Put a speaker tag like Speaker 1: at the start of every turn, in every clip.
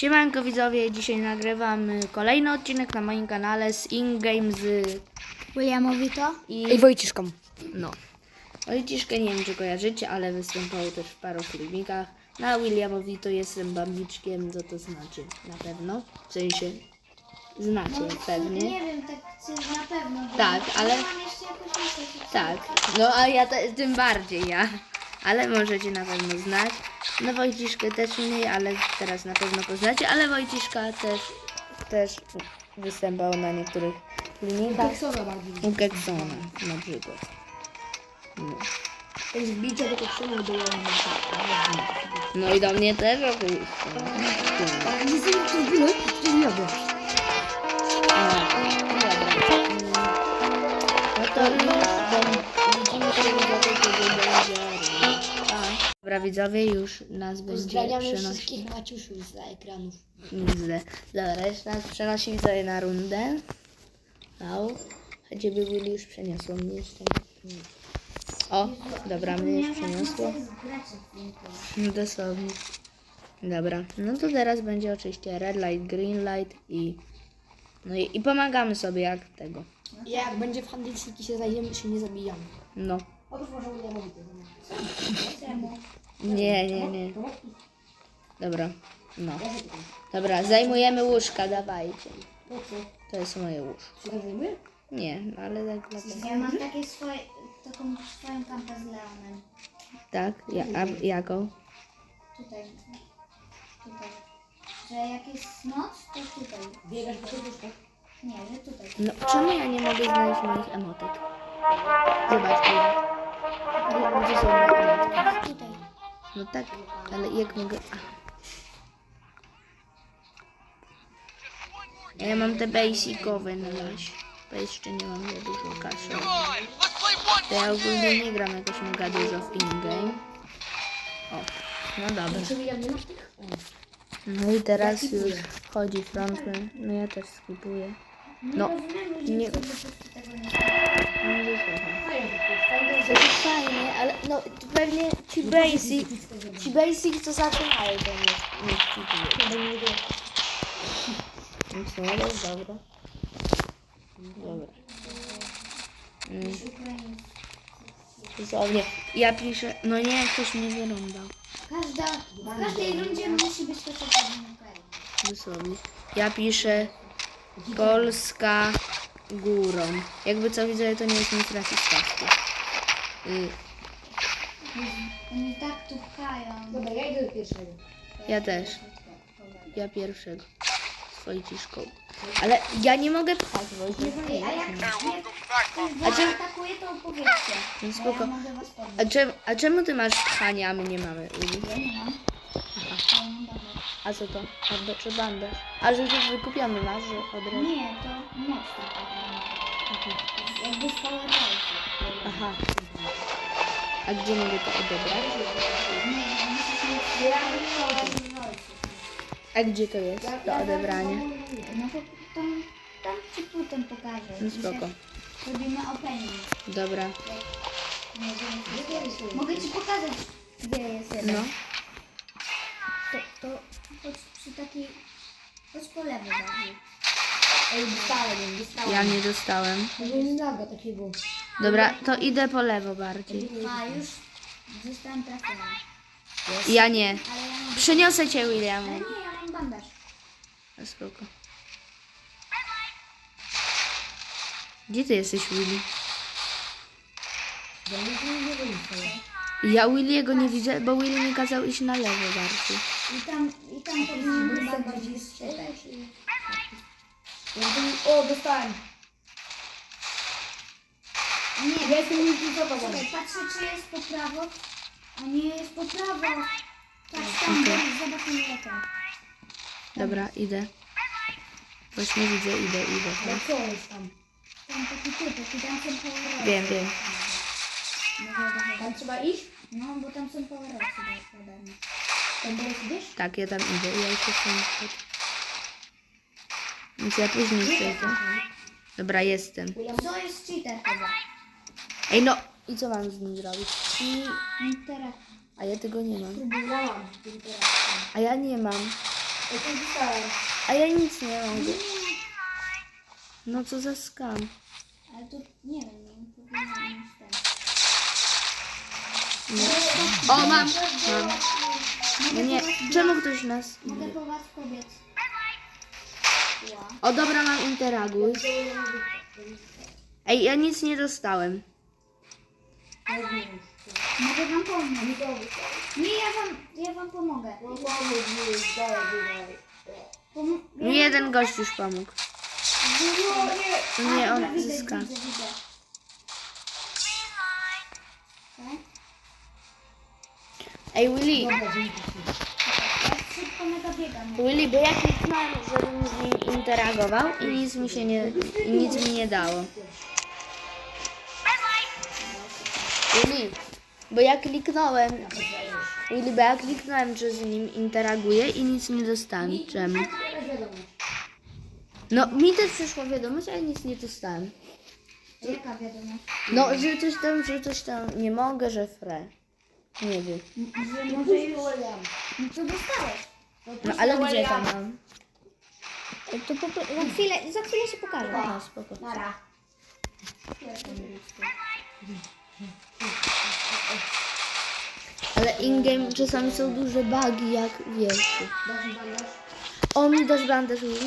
Speaker 1: Siemanko widzowie, dzisiaj nagrywam kolejny odcinek na moim kanale z InGame z
Speaker 2: Williamowi to?
Speaker 1: i
Speaker 2: Wojciszką.
Speaker 1: no. Wojciszkę nie wiem czy kojarzycie, ale występował też w paru filmikach. Na Williamowi to jestem bambiczkiem, co to znaczy na pewno. W sensie znacie pewnie.
Speaker 2: Nie wiem, tak na pewno.
Speaker 1: Tak, ale
Speaker 2: Mam jeszcze jakąś myśl.
Speaker 1: tak. No a ja tym bardziej ja. Ale możecie na pewno znać. No Wojciszkę też mniej, ale teraz na pewno poznacie. Ale Wojciszka też występował na niektórych filmikach.
Speaker 2: Keksona bardziej.
Speaker 1: U Keksona na przykład. No.
Speaker 2: To jest wbicie do Keksona do
Speaker 1: No i do mnie też oczywiście.
Speaker 2: Ale nie znam to w ogóle, to nie robię.
Speaker 1: No to widzimy się widzowie, kiedy będzie. Dobra widzowie, już nas będzie
Speaker 2: Pozdrawiamy
Speaker 1: przenosić.
Speaker 2: wszystkich maciusiów z ekranów.
Speaker 1: Nigdy. Dobra, jeszcze nas przenosi widzowie na rundę. Au. A ciebie byli już przeniosło mnie jeszcze. O, dobra, mnie już przeniosło. No dosłownie. Dobra, no to teraz będzie oczywiście red light, green light i... No i pomagamy sobie jak tego.
Speaker 2: Jak będzie w handelsiki się zajdziemy, się nie zabijamy.
Speaker 1: No.
Speaker 2: Otóż może Williamowi to.
Speaker 1: Nie. Dobra, no. Dobra, zajmujemy łóżka, dawajcie.
Speaker 2: Po co?
Speaker 1: To jest moje łóżko.
Speaker 2: Się tak zajmuje?
Speaker 1: Nie, no ale tak dlatego.
Speaker 3: Ja mam takie taką swoją kampę z Leonem.
Speaker 1: Tak? A jaką?
Speaker 3: Tutaj. Że jak jest noc, to tutaj.
Speaker 2: Biegasz po tych łóżkach?
Speaker 3: Nie, że tutaj.
Speaker 1: No, czemu ja nie mogę znaleźć moich emotek? Zobacz, gdzie są moje emotki?
Speaker 3: Tutaj.
Speaker 1: No tak, ale jak mogę... Ja mam te basicowe na razie, bo jeszcze nie mam za dużo kasy. To ja ogólnie nie gram jakoś mega dużo w in-game. O, no dobra.
Speaker 2: Czy William nie masz tych?
Speaker 1: No i teraz już wchodzi frontman. No ja też skipuję. No, nie...
Speaker 3: Tego nie
Speaker 1: Nie słucham.
Speaker 2: Fajnie,
Speaker 1: To jest fajnie, ale no to pewnie ci basic to zaczynają to nie skipuję. No co, ale jest dobra. Dobra. Dosłownie. Ja piszę, no nie, ktoś mnie wyrąbał.
Speaker 3: W każdej rundzie musi być chociaż jeden kraj.
Speaker 1: Dosłownie. Ja piszę Polska górą. Jakby co widzę, to nie jest nic rasistowskie.
Speaker 3: Oni tak tu pchają.
Speaker 2: Dobra, ja idę do pierwszego.
Speaker 1: Ja też. Ja pierwszego. Z Wojciszką. Ale ja nie mogę pchać, Wojciech.
Speaker 3: Ej, a jak
Speaker 1: A czemu-
Speaker 3: atakuje, to opowiedzcie.
Speaker 1: No
Speaker 3: Bo
Speaker 1: spoko.
Speaker 3: ja mogę was podnieść.
Speaker 1: A czemu ty masz pchanie, a my nie mamy? Uli?
Speaker 3: Ja nie mam. Ja mam dobre.
Speaker 1: A co to? Bandaż czy bandaż? A że już wykupiony masz, że od razu.
Speaker 3: Nie, to moc taka. Jakby z Power Race'ów.
Speaker 1: Aha. A gdzie mogę to odebrać?
Speaker 3: Nie, musisz mieć Power Race'ów.
Speaker 1: A gdzie to jest? Do odebrania.
Speaker 3: No to tam ci potem pokażę.
Speaker 1: No spoko.
Speaker 3: Robimy opening.
Speaker 1: Dobra.
Speaker 3: Mogę ci pokazać, gdzie jest jeden.
Speaker 1: No.
Speaker 3: To chodź przy takiej... Chodź po lewo bardziej.
Speaker 2: Ej, dostałem.
Speaker 1: Ja nie dostałem.
Speaker 2: Nie naga takiego.
Speaker 1: Dobra, to idę po lewo bardziej.
Speaker 3: A, już zostałem trafiony.
Speaker 1: Ja nie.
Speaker 3: Ale ja mam...
Speaker 1: Przyniosę cię,
Speaker 3: Ale
Speaker 1: Williamu.
Speaker 3: nie, ja mam bandaż.
Speaker 1: No spoko. Gdzie ty jesteś, Willy? Ja Williego nie widzę, bo Willy mi kazał iść na lewo bardziej.
Speaker 3: I tam powinien być bardziej strzelać.
Speaker 2: O, dostałem.
Speaker 3: Nie,
Speaker 2: Ja jestem multizowa.
Speaker 3: czekaj, patrzę, czy jest po prawo. A nie, jest po prawo. Patrz tam, zobacz mnie tam.
Speaker 1: Dobra, idę. Właśnie widzę, idę.
Speaker 2: Ja co jest tam?
Speaker 3: Tam taki typ, tam są power
Speaker 1: Wiem.
Speaker 2: Tam trzeba iść?
Speaker 3: No, bo tam są power race.
Speaker 2: Tam dalej idziesz?
Speaker 1: Tak, ja tam idę. Ja już jestem przed. Więc ja później przejdę. Dobra, jestem.
Speaker 3: Co jest cheater chyba?
Speaker 1: Ej, no! I co mam z nim zrobić?
Speaker 3: I teraz
Speaker 1: A ja tego nie mam.
Speaker 2: Próbowałam.
Speaker 1: A ja nie mam.
Speaker 2: Ja to dostałem.
Speaker 1: A ja nic nie mogę. No co za skam.
Speaker 3: Ale to nie wiem, nie powinno mieć ten.
Speaker 1: O, mam. No nie, czemu ktoś nas...
Speaker 3: Mogę po was pobiec. Ła.
Speaker 1: O, dobra, mam interaguj. Ej, ja nic nie dostałem.
Speaker 3: Mogę wam pomóc. Nie, ja wam pomogę.
Speaker 1: Mi jeden gość już pomógł. Nie, on zyska.
Speaker 3: Widzę. Tak?
Speaker 1: Ej, Willy,
Speaker 3: Ja szybko mega biegam.
Speaker 1: Willy, bo ja kliknąłem, żebym z nim interagował i nic mi się nie, i nic mi nie dało. Willy, bo ja kliknąłem, że z nim interaguję i nic nie dostałem. Czemu? No, mi też przyszła wiadomość, ale nic nie dostałem.
Speaker 3: Jaka wiadomość?
Speaker 1: No, że coś tam nie mogę, że fre. Nie wiem.
Speaker 3: Że może już... No to dostałeś.
Speaker 1: No, ale gdzie to mam?
Speaker 3: To za chwilę się pokażę.
Speaker 1: No, spoko.
Speaker 3: Nara.
Speaker 1: Ale in-game czasami są duże bugi, jak wiesz. O, mi dasz bandaż, Willy?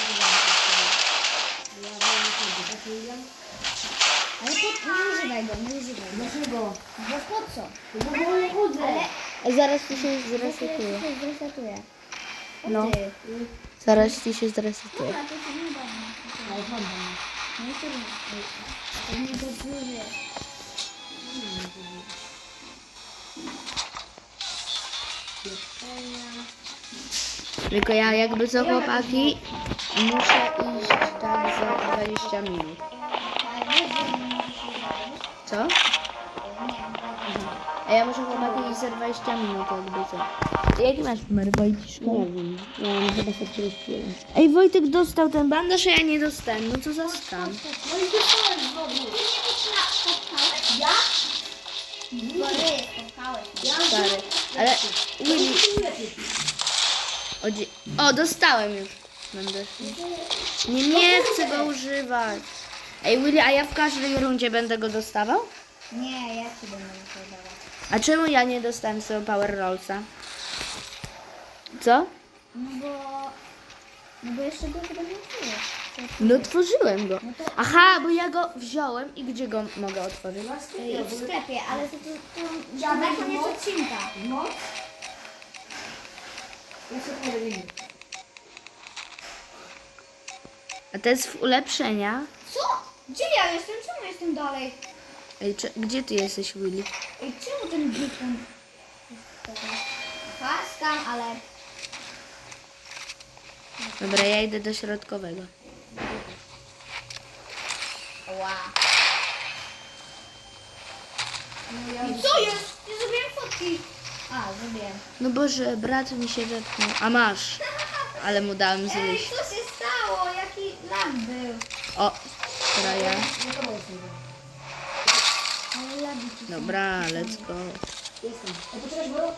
Speaker 3: Ale nie używaj go, nie używaj go.
Speaker 2: Dlaczego?
Speaker 3: Bo po co?
Speaker 2: Bo nie chodzę.
Speaker 3: Ale
Speaker 1: Zaraz ci się
Speaker 3: ja
Speaker 1: zresetuje.
Speaker 3: się zresetuję.
Speaker 1: No.
Speaker 3: Ty.
Speaker 1: Zaraz ci się zresetuje.
Speaker 3: Dobra, to się nie da.
Speaker 2: Ale mam.
Speaker 3: Nie trudno. To nie dobrze.
Speaker 1: Tylko ja jakby co, chłopaki, muszę iść tak za 20 minut.
Speaker 3: Ale wiesz, że nie możesz się zrobić?
Speaker 1: Co?
Speaker 3: Nie.
Speaker 1: A ja muszę, chłopaki, iść za 20 minut, jakby co. Jaki masz numer, Wojciszka?
Speaker 2: Nie wiem. Ja mam chyba 141.
Speaker 1: Ej, Wojtek dostał ten bandaż, a ja nie dostałem. No co za skam.
Speaker 2: No i dostałem znowu.
Speaker 3: Ja? Bory, spotkałeś mnie.
Speaker 1: Stary. Ale Willy... O, dostałem już bandaż. Nie chcę go używać. Ej, Willy, a ja w każdej rundzie będę go dostawał?
Speaker 3: Nie, ja ci będę wypowiadała.
Speaker 1: A czemu ja nie dostałem swojego Power Rollsa? Co?
Speaker 3: No bo jeszcze go chyba nie czujesz.
Speaker 1: No otworzyłem go. Aha, bo ja go wziąłem i gdzie go mogę otworzyć?
Speaker 3: W sklepie, ale to na koniec odcinka.
Speaker 2: No. Ja sobie powiem.
Speaker 1: A to jest w ulepszenia.
Speaker 3: Co? Gdzie ja jestem? Czemu jestem dalej?
Speaker 1: Ej, gdzie ty jesteś, Willy?
Speaker 3: Ej, czemu ten beacon? Aha, skam, ale...
Speaker 1: Dobra, ja idę do środkowego.
Speaker 3: Ła. I co jest? Nie zrobiłem fotki. A, zrobiłem.
Speaker 1: No Boże, brat mi się wepchnął. A masz. Ale mu dałem
Speaker 3: Ej,
Speaker 1: zjeść.
Speaker 3: co się stało? Jaki lag był?
Speaker 1: O, teraz ja.
Speaker 2: No to jestem.
Speaker 3: Ale lagi tu są.
Speaker 1: Dobra, let's go.
Speaker 2: Jestem. A poczekaj, bo...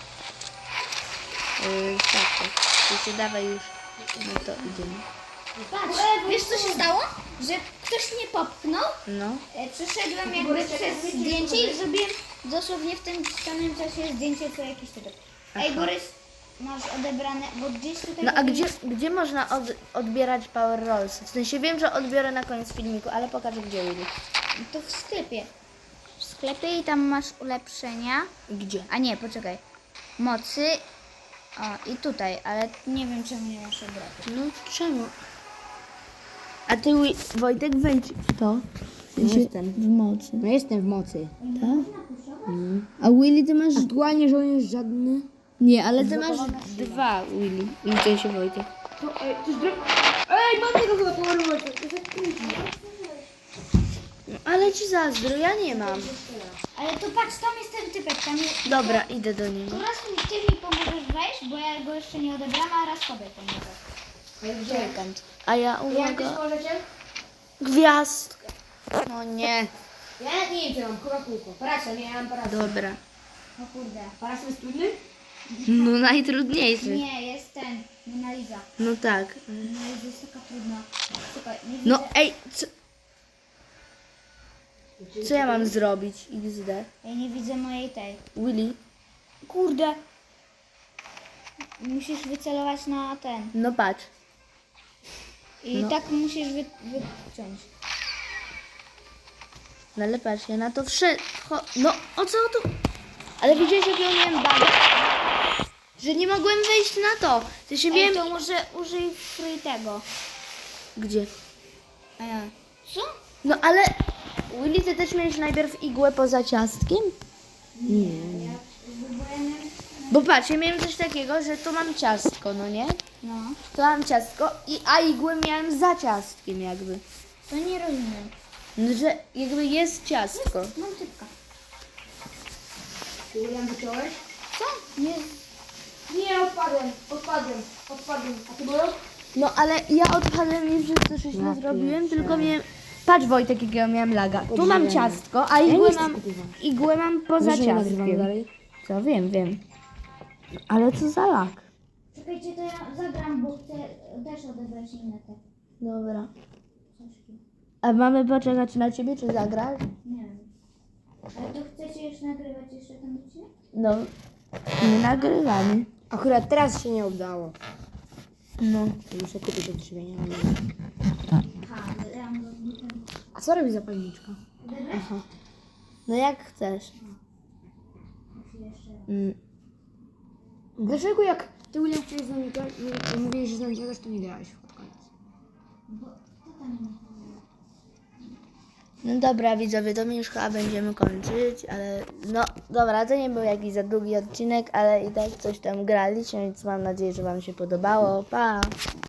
Speaker 1: Tak. Ty się dawaj już. No to idziemy.
Speaker 3: Patrz, wiesz co się stało? Że ktoś mnie popchnął,
Speaker 1: No.
Speaker 3: przeszedłem jakby przez zdjęcie i zrobiłem dosłownie w tym samym czasie zdjęcie co jakiś tytuł. Ej, Borys, masz odebrane, bo gdzieś tutaj...
Speaker 1: No a gdzie można odbierać Power Rolls? W sensie wiem, że odbiorę na koniec filmiku, ale pokaż gdzie Willy.
Speaker 3: To w sklepie. W sklepie i tam masz ulepszenia.
Speaker 1: Gdzie?
Speaker 3: A nie, poczekaj. Mocy. O, i tutaj, ale nie wiem czemu nie masz obrotu.
Speaker 1: No czemu? A ty, Wojtek, wejdź w to.
Speaker 2: Jestem.
Speaker 1: W mocy.
Speaker 2: No jestem w mocy.
Speaker 1: Tak? A Willy, ty masz...
Speaker 2: Aktualnie żołnierz żadny.
Speaker 1: Nie, ale ty masz 2, Willy. Liczę się, Wojtek.
Speaker 2: To, ej, to jest Ej, mam tego chyba położyć. To jest krótki.
Speaker 1: No, ale ci zazdro, ja nie mam.
Speaker 3: Ale to patrz, tam jest ten typek, tam jest...
Speaker 1: Dobra, idę do niego.
Speaker 3: To raz ty mi pomożesz wejść, bo ja go jeszcze nie odebrałam, a raz sobie pomogę.
Speaker 1: A ja,
Speaker 2: Jak też
Speaker 1: uwaga,
Speaker 2: możecie?
Speaker 1: gwiazdkę. No nie.
Speaker 2: Ja nie wiem, co mam. Chyba kółko. Parasol, nie, ja mam parasol.
Speaker 1: Dobra.
Speaker 3: O kurde.
Speaker 2: Parasol jest trudny?
Speaker 1: No najtrudniejszy.
Speaker 3: Nie, jest ten. Mona Lisa.
Speaker 1: No tak.
Speaker 3: Mona Lisa jest taka trudna. Czekaj, nie
Speaker 1: No
Speaker 3: widzę.
Speaker 1: ej, co ja mam zrobić? XD.
Speaker 3: Ja nie widzę mojej tej.
Speaker 1: Willy?
Speaker 3: Kurde. Musisz wycelować na ten.
Speaker 1: No patrz.
Speaker 3: I
Speaker 1: No.
Speaker 3: tak musisz wyciąć.
Speaker 1: No ale patrz, ja na to wszedł. No, o co tu? Ale widziałeś, jak ja miałem bugę? Że nie mogłem wejść na to. To się
Speaker 3: Ej,
Speaker 1: miałem...
Speaker 3: to może użyj free tego.
Speaker 1: Gdzie?
Speaker 3: A ja. Co?
Speaker 1: No ale... Willy, ty też miałeś najpierw igłę poza ciastkiem? Bo patrz, ja miałem coś takiego, że tu mam ciastko, no nie?
Speaker 3: No.
Speaker 1: Tu mam ciastko, a igłę miałem za ciastkiem jakby.
Speaker 3: To nie rozumiem.
Speaker 1: No, że jakby jest ciastko.
Speaker 3: Mam typka.
Speaker 2: Julian, wyciąłeś?
Speaker 3: Co? Nie.
Speaker 2: Nie, odpadłem. A ty było?
Speaker 1: No ale ja odpadłem nie przez to, że źle zrobiłem, tylko miałem... Patrz Wojtek, jakiego miałem laga. Tu mam ciastko, a igłę mam poza ciastkiem. Co? Wiem. Ale co za lag?
Speaker 3: Czekajcie, to ja zagram, bo chcę też odebrać inne te
Speaker 1: Dobra.
Speaker 3: książki.
Speaker 1: A mamy poczekać na ciebie, czy zagrasz?
Speaker 3: Nie wiem. Ale to chcecie już nagrywać jeszcze ten odcinek?
Speaker 1: No, nie nagrywamy.
Speaker 2: Akurat teraz się nie udało.
Speaker 1: No.
Speaker 2: Muszę kupić odżywienia.
Speaker 3: Aha, ja mam go ten.
Speaker 2: A co robi zapalniczka?
Speaker 3: Odebrać?
Speaker 1: No jak chcesz.
Speaker 3: Muszę jeszcze raz.
Speaker 2: Dlaczego jak ty, William, wczoraj z nami mówiłeś, że z nami gadasz, to nie grałeś pod koniec?
Speaker 3: Bo to tam nie.
Speaker 1: No dobra, widzowie, to my już chyba będziemy kończyć, ale no dobra, to nie był jakiś za długi odcinek, ale i tak coś tam graliśmy, więc mam nadzieję, że wam się podobało. Pa!